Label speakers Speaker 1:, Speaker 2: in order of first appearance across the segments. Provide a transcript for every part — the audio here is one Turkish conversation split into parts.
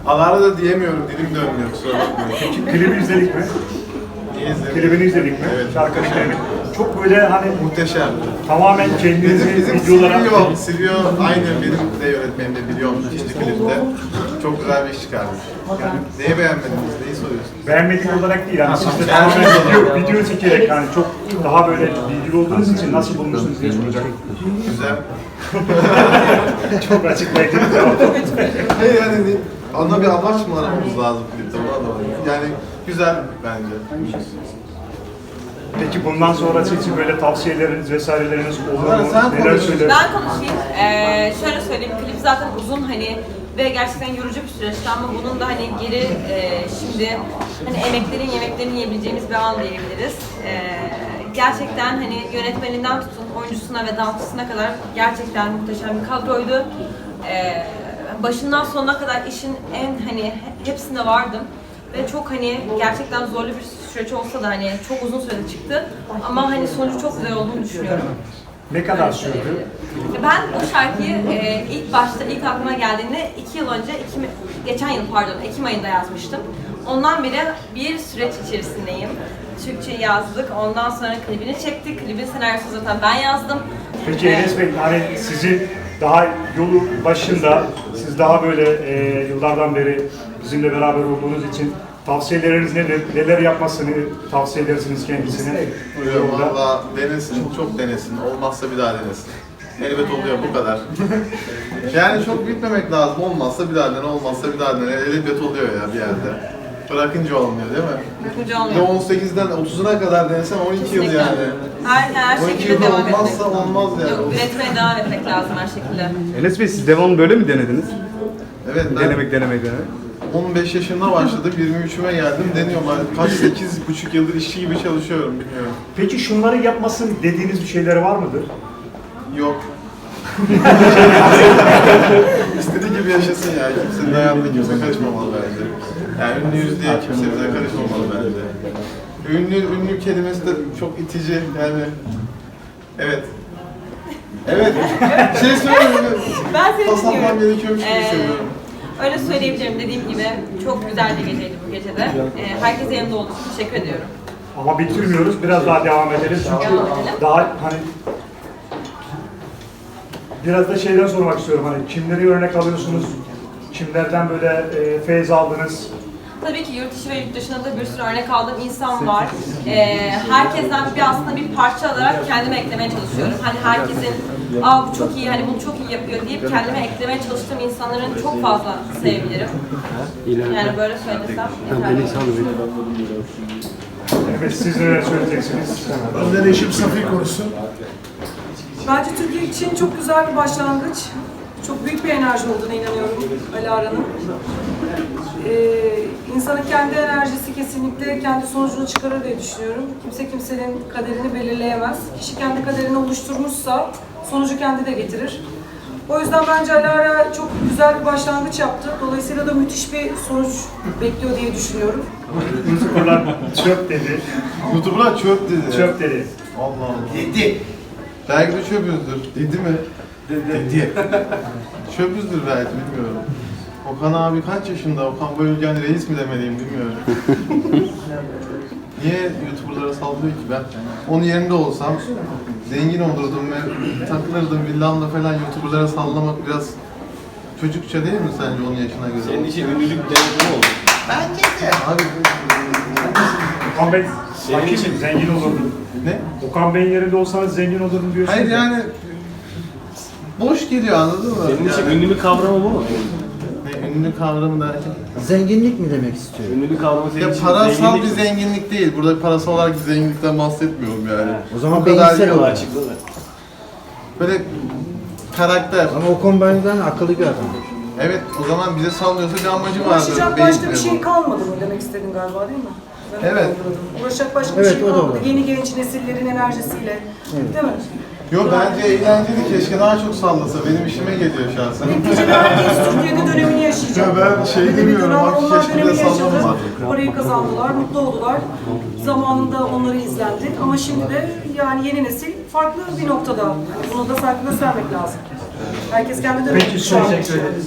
Speaker 1: Alara da diyemiyorum, dilim dönmüyor, kusura bakmayın.
Speaker 2: Peki klibi izledik mi?
Speaker 1: Niye izledim?
Speaker 2: Klibini izledik mi?
Speaker 1: Evet.
Speaker 2: Şarkı klibi. Çok böyle hani
Speaker 1: Muhteşem.
Speaker 2: tamamen kendinizi
Speaker 1: Bizim
Speaker 2: videolara...
Speaker 1: Silvio aynı benim de yönetmenim de biliyorum işte klipte. Çok güzel bir iş çıkarmış. Yani neyi beğenmediniz, neyi soruyorsunuz?
Speaker 2: Beğenmedik olarak değil, hani siz de tamamen video çekerek hani çok daha böyle bilgili olduğunuz için nasıl bulmuşsunuz diye soracak.
Speaker 1: Güzel.
Speaker 2: Çok açıklayıcı bir cevap.
Speaker 1: Hayır yani ana bir amaç mı aramamız lazım klipte, buna da var. Yani güzel bence.
Speaker 2: Peki bundan sonrası için böyle tavsiyeleriniz vesaireleriniz olur mu?
Speaker 1: Sen
Speaker 2: Neler
Speaker 1: konuş.
Speaker 2: söyler?
Speaker 3: Ben konuşayım. Şöyle söyleyeyim, klip zaten uzun hani ve gerçekten yorucu bir süreçti ama bunun da hani geri şimdi hani yemeklerini yiyebileceğimiz bir an diyebiliriz. Gerçekten hani yönetmeninden tutun oyuncusuna ve dansçısına kadar gerçekten muhteşem bir kadroydu. Başından sonuna kadar işin en hani hepsinde vardım ve çok hani gerçekten zorlu bir süreç olsa da hani çok uzun sürede çıktı ama hani sonucu çok güzel olduğunu düşünüyorum.
Speaker 2: Ne kadar sürdü?
Speaker 3: Ben bu şarkıyı ilk aklıma geldiğinde 2 yıl önce, geçen yıl pardon, Ekim ayında yazmıştım. Ondan beri bir süreç içerisindeyim. Türkçe yazdık, ondan sonra klibini çektik. Klibin senaryosunu zaten ben yazdım.
Speaker 2: Peki Enes Bey, hani sizin daha yolu başında, siz daha böyle yıllardan beri bizimle beraber olduğunuz için tavsiyeleriniz nedir? Neler yapmasını tavsiye edersiniz kendisine?
Speaker 1: Valla denesin, çok denesin. Olmazsa bir daha denesin. Elbet oluyor, bu kadar. Yani çok bitmemek lazım. Olmazsa bir daha dene, olmazsa bir daha dene. Elbet oluyor ya bir yerde. Bırakınca olmuyor değil mi?
Speaker 3: Bırakınca
Speaker 1: Ve
Speaker 3: olmuyor.
Speaker 1: 18'den 30'una kadar denesen 12 yıl yani.
Speaker 3: Her
Speaker 1: 12
Speaker 3: şekilde
Speaker 1: yılda
Speaker 3: devam
Speaker 1: olmazsa
Speaker 3: etmek.
Speaker 1: olmaz yani.
Speaker 3: Yok, üretmeye devam etmek lazım her şekilde.
Speaker 4: Enes Bey, siz devamlı böyle mi denediniz?
Speaker 1: Evet, ben
Speaker 4: Denemek.
Speaker 1: 15 yaşında başladım, 23'üme geldim. Deniyorum, kaç 8,5 yıldır işçi gibi çalışıyorum, bilmiyorum.
Speaker 2: Peki şunları yapmasın dediğiniz bir şeyler var mıdır?
Speaker 1: Yok. İstediği gibi yaşasın ya. Kimsenin hayatına kimse karışmamalı bence. Yani ünlüyüz diye kimse bize karışmamalı bence. Ünlü kelimesi de çok itici yani. Evet. Evet. Şey söylüyorum.
Speaker 3: Ben seni
Speaker 1: Pas atmam
Speaker 3: dinliyorum.
Speaker 1: gerekiyormuş gibi hissediyorum.
Speaker 3: Öyle söyleyebilirim, dediğim gibi çok güzel bir geceydi bu gecede. Herkese yanımda olduğu için teşekkür ediyorum.
Speaker 2: Ama bitirmiyoruz, biraz daha devam edelim. Çünkü
Speaker 3: Devam edelim.
Speaker 2: daha hani biraz da şeyden sormak istiyorum, hani kimleri örnek alıyorsunuz, kimlerden böyle feyz aldınız?
Speaker 3: Tabii ki yurt içi ve yurt dışında da bir sürü örnek aldığım insan var. Herkesten aslında bir parça alarak kendime eklemeye çalışıyorum. Hani herkesin bu çok iyi, hani bunu çok iyi yapıyor deyip kendime eklemeye çalıştığım insanların çok fazla sevgilerim. Yani böyle söylesem yeterli.
Speaker 2: Evet, siz neler söyleyeceksiniz?
Speaker 5: Önder eşim Safiye konusu.
Speaker 6: Bence Türkiye için çok güzel bir başlangıç. Çok büyük bir enerji olduğuna inanıyorum Alara'nın. İnsanın kendi enerjisi kesinlikle kendi sonucunu çıkarır diye düşünüyorum. Kimse kimsenin kaderini belirleyemez. Kişi kendi kaderini oluşturmuşsa sonucu kendi de getirir. O yüzden bence Alara çok güzel bir başlangıç yaptı. Dolayısıyla da müthiş bir sonuç bekliyor diye düşünüyorum.
Speaker 2: YouTuber'lar çöp dedi.
Speaker 1: YouTuber'lar çöp dedi.
Speaker 2: Çöp dedi.
Speaker 1: Allah Allah. Dedi. Belki de çöpüzdür. Dedi mi? Dedi. Çöpüzdür belki, bilmiyorum. Okan abi kaç yaşında? Okan Bayülgen reis mi demeliyim, bilmiyorum. Niye YouTuber'lara sallıyor ki ben? Onun yerinde olsam zengin olurdum ve takılırdım villamla falan. YouTuber'lara sallamak biraz çocukça değil mi sence onun yaşına göre?
Speaker 7: Senin için ünlülük deneyimi oldu.
Speaker 1: Abi
Speaker 2: Okan Bey,
Speaker 7: Senin için
Speaker 2: zengin olurdum.
Speaker 1: ne?
Speaker 2: Okan Bey'in yerinde olsanız zengin olurdum diyorsunuz.
Speaker 1: Hayır yani boş geliyor, anladın mı?
Speaker 7: Senin için
Speaker 1: Yani,
Speaker 7: ünlülük kavramı bu mu?
Speaker 1: ünlü kavramı derken.
Speaker 5: Zenginlik mi demek istiyor?
Speaker 7: Ünlülük kavramı senin
Speaker 1: Ya
Speaker 7: için
Speaker 1: parasal
Speaker 7: zenginlik
Speaker 1: bir
Speaker 7: mi?
Speaker 1: zenginlik değil. Burada parasal olarak bir zenginlikten bahsetmiyorum yani.
Speaker 5: O zaman
Speaker 1: O kadar
Speaker 5: beyinsel
Speaker 1: değil.
Speaker 5: olarak.
Speaker 7: Açıkla da.
Speaker 1: Böyle karakter.
Speaker 5: Ama o kombineden akıllı bir adam.
Speaker 1: Evet, o zaman bize sallıyorsa bir amacı vardır.
Speaker 6: Uğraşacak
Speaker 1: Beyin
Speaker 6: başka bir
Speaker 1: bu.
Speaker 6: şey kalmadı mı demek istedin galiba, değil mi? Ben
Speaker 1: Evet.
Speaker 6: anladım. Uğraşacak başka bir
Speaker 5: Evet,
Speaker 6: şey
Speaker 5: o da
Speaker 6: kalmadı.
Speaker 5: olur.
Speaker 6: Yeni genç nesillerin enerjisiyle. Değil mi?
Speaker 1: Yo, bence eğlenceli, keşke daha çok sallasa. Benim işime geliyor şahsen.
Speaker 6: Neticede herkes Türkiye'de dönemini yaşayacak.
Speaker 1: Ya ben şey
Speaker 6: Böyle bir
Speaker 1: demiyorum,
Speaker 6: dönem
Speaker 1: bak
Speaker 6: onlar
Speaker 1: keşke de
Speaker 6: dönemini yaşadı.
Speaker 1: sallama.
Speaker 6: Parayı kazandılar, mutlu oldular. Zamanında onları izlendi. Ama şimdi de yani yeni nesil farklı bir noktada. Yani bunu da farkında sermek lazım. Herkes kendi dönemini
Speaker 2: Peki
Speaker 6: şu an
Speaker 2: son,
Speaker 6: yaşıyor.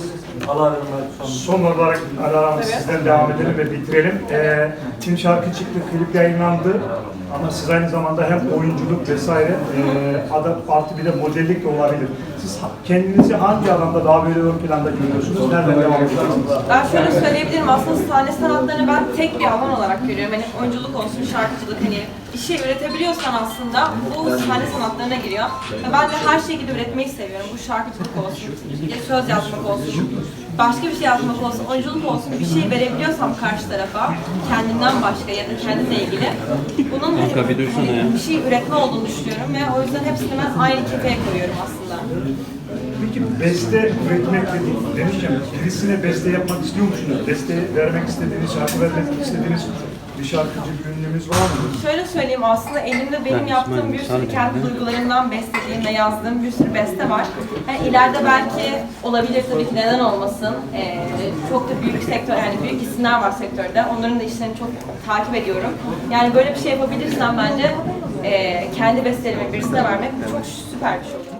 Speaker 2: Son olarak Alara Hanım sizden devam edelim ve bitirelim. Tim şarkı çıktı, klip yayınlandı. Ama siz aynı zamanda hem oyunculuk vesaire artı bir de modellik de olabilir. Siz kendinizi hangi alanda daha böyle ön planda görüyorsunuz? Nereden devam ediyorsunuz?
Speaker 3: Ben şöyle söyleyebilirim, aslında sahne sanatlarını ben tek bir alan olarak görüyorum. Hani oyunculuk olsun, şarkıcılık, hani bir şey üretebiliyorsan aslında bu sahne sanatlarına giriyor. Ve ben de her şekilde üretmeyi seviyorum. Bu şarkıcılık olsun, ya söz yazmak olsun, başka bir şey yazmak olsun, oyunculuk olsun, bir şey verebiliyorsam karşı tarafa, kendimden başka ya da kendimle ilgili, bunun bir şey üretme olduğunu düşünüyorum ve o yüzden hepsini ben aynı kefeye koyuyorum aslında.
Speaker 2: Peki beste üretmek demişken birisine beste yapmak istiyor musunuz? Beste vermek istediğiniz, şarkı vermek istediğiniz bir şarkıcı, bir ünlümüz var mı?
Speaker 3: Şöyle söyleyeyim, aslında elimde benim yaptığım bir sürü kendi duygularımdan beslediğim ve yazdığım bir sürü beste var. Yani ileride belki olabilir, tabii ki, neden olmasın. Çok da büyük sektör, yani büyük isimler var sektörde. Onların da işlerini çok takip ediyorum. Yani böyle bir şey yapabilirsem bence kendi bestelerimi birisine vermek çok süper bir şey olur.